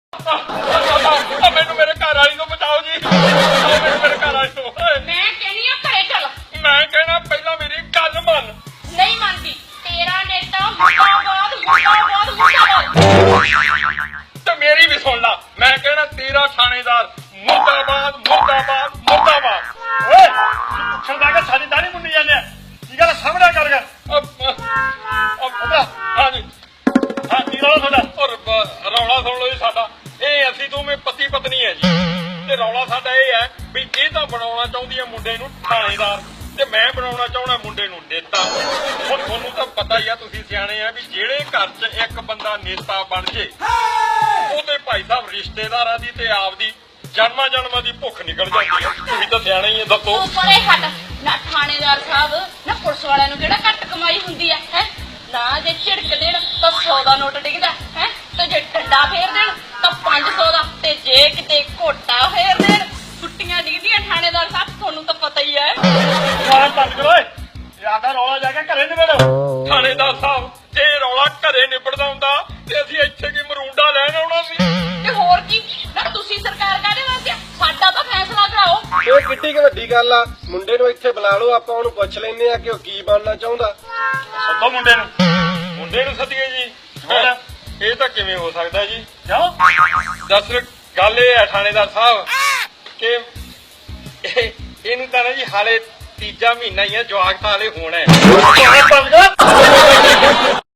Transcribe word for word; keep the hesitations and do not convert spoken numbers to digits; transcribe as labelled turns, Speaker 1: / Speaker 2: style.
Speaker 1: ਮੈਨੂੰ ਮੇਰੇ ਘਰ ਵਾਲੀ ਤੋਂ ਬਚਾਓ ਜੀ, ਮੈਨੂੰ ਮੇਰੇ ਘਰ ਵਾਲੀ ਤੋਂ।
Speaker 2: ਮੈਂ ਕਹਿੰਦੀ ਆ ਘਰੇ ਚੱਲ।
Speaker 1: ਮੈਂ ਕਹਿਣਾ ਪਹਿਲਾਂ ਮੇਰੀ ਗੱਲ ਮੰਨ।
Speaker 2: ਨਹੀਂ ਮੰਨਦੀ। ਤੇਰਾ ਨੇਤਾ ਮੁਰਦਾਬਾਦ ਮੁਰਦਾਬਾਦ ਮੁਰਦਾਬਾਦ।
Speaker 1: ਤੇ ਮੇਰੀ ਵੀ ਸੁਣ ਲਾ, ਮੈਂ ਕਹਿਣਾ ਤੇਰਾ ਥਾਣੇਦਾਰ ਮੁਰਦਾਬਾਦ ਮੁਰਦਾਬਾਦ ਮੁਰਦਾਬਾਦ। ਓਏ ਪੁੱਛਣ ਦਾ ਕਿ ਸਾਡੀ ਦਾੜੀ ਮੁੰਨੀ ਜਾਂਦੇ ਆ, ਕੀ ਗੱਲ ਸਾਹਮਣੇ ਕਰ ਗਿਆ। ਹਾਂਜੀ ਹਾਂ, ਕੀ ਰੌਲਾ ਤੁਹਾਡਾ? ਰੌਲਾ ਸੁਣ ਲਓ ਜੀ ਸਾਡਾ, ਇਹ ਅਸੀਂ ਦੋਵੇਂ ਪਤੀ ਪਤਨੀ ਹੈ ਜੀ, ਤੇ ਰੌਲਾ ਸਾਡਾ ਇਹ ਹੈ ਵੀ ਇਹ ਤਾਂ ਬਣਾਉਣਾ ਚਾਹੁੰਦੀ ਹੈ ਮੁੰਡੇ ਨੂੰ ਥਾਣੇਦਾਰ, ਤੇ ਮੈਂ ਬਣਾਉਣਾ ਚਾਹੁੰਦਾ ਮੁੰਡੇ ਨੂੰ ਨੇਤਾ। ਹੁਣ ਤੁਹਾਨੂੰ ਤਾਂ ਪਤਾ ਹੀ ਆ, ਤੁਸੀਂ ਸਿਆਣੇ ਆ, ਵੀ ਜਿਹੜੇ ਘਰ 'ਚ ਇੱਕ ਬੰਦਾ ਨੇਤਾ ਬਣ ਜੇ ਉਹਦੇ ਭਾਈ ਸਾਹਿਬ ਰਿਸ਼ਤੇਦਾਰਾਂ ਦੀ ਤੇ ਆਪਦੀ ਜਨਮਾਂ ਜਨਮਾਂ ਦੀ ਭੁੱਖ ਨਿਕਲ ਜਾਂਦੀ ਹੈ। ਤੁਸੀਂ ਤਾਂ ਸਿਆਣੇ ਹੀ ਆ, ਦੱਸੋ।
Speaker 2: ਤੂੰ ਪਰੇ ਹਟ ਨਾ। ਥਾਣੇਦਾਰ ਸਾਹਿਬ ਨਾ, ਪੁਲਿਸ ਵਾਲਿਆਂ ਨੂੰ ਕਿਹੜਾ ਘੱਟ ਕਮਾਈ ਹੁੰਦੀ ਹੈ ਹੈ ਨਾ। ਜੇ ਝਿੜਕ ਦੇਣ ਤਾਂ ਸੌ ਦਾ ਨੋਟ ਡਿੱਗਦਾ ਹੈ, ਤੇ ਜੇ ਡੰਡਾ ਫੇਰ ਦੇਣ ਤਾਂ ਪੰਜ ਸੌ ਦਾ, ਤੇ ਜੇ ਕਿਤੇ ਘੋਟਾ ਫੇਰ ਦੇਣ ਛੁੱਟੀਆਂ ਡਿੱਗਦੀਆਂ। ਥਾਣੇਦਾਰ ਸਾਹਿਬ ਤੁਹਾਨੂੰ ਤਾਂ ਪਤਾ ਹੀ ਹੈ।
Speaker 1: ਬੰਦ ਕਰੋ, ਜਿਆਦਾ ਰੌਲਾ ਜਾ ਕੇ ਘਰੇ ਨਿਬੜੋ। ਥਾਣੇਦਾਰ ਸਾਹਿਬ, ਜੇ ਰੌਲਾ ਘਰੇ ਨਿਬੜਦਾ ਹੁੰਦਾ ਤੇ ਅਸੀਂ ਇੱਥੇ ਕੀ ਮਰੂੰਡਾ ਲੈਣ ਆਉਣਾ ਸੀ।
Speaker 2: ਤੇ ਹੋਰ ਕੀ ਨਾ, ਤੁਸੀਂ ਸਰਕਾਰ ਕਾਹਦੇ ਵਾਸਤੇ? ਸਾਡਾ ਤਾਂ ਫੈਸਲਾ ਕਰਾਓ।
Speaker 3: ਇਹ ਕਿੱਡੀ ਕੁ ਵੱਡੀ ਗੱਲ ਆ, ਮੁੰਡੇ ਨੂੰ ਇੱਥੇ ਬੁਲਾ ਲਓ, ਆਪਾਂ ਉਹਨੂੰ ਪੁੱਛ ਲੈਂਦੇ ਆ ਕਿ ਉਹ ਕੀ ਬਣਨਾ ਚਾਹੁੰਦਾ।
Speaker 1: ਸੱਦੋ ਮੁੰਡੇ ਨੂੰ। ਮੁੰਡੇ ਨੂੰ ਸੱਦੀਏ ਜੀ? ਇਹ ਤਾਂ ਕਿਵੇਂ ਹੋ ਸਕਦਾ ਜੀ? ਕਿਉਂ? ਦੱਸ, ਗੱਲ ਇਹ ਹੈ ਥਾਣੇਦਾਰ ਸਾਹਿਬ ਕਿ ਇਹਨੂੰ ਤਾਂ ਨਾ ਜੀ ਹਾਲੇ ਤੀਜਾ ਮਹੀਨਾ ਹੀ ਹੈ, ਜਵਾਕ ਤਾਂ ਹਾਲੇ ਹੋਣਾ ਹੈ।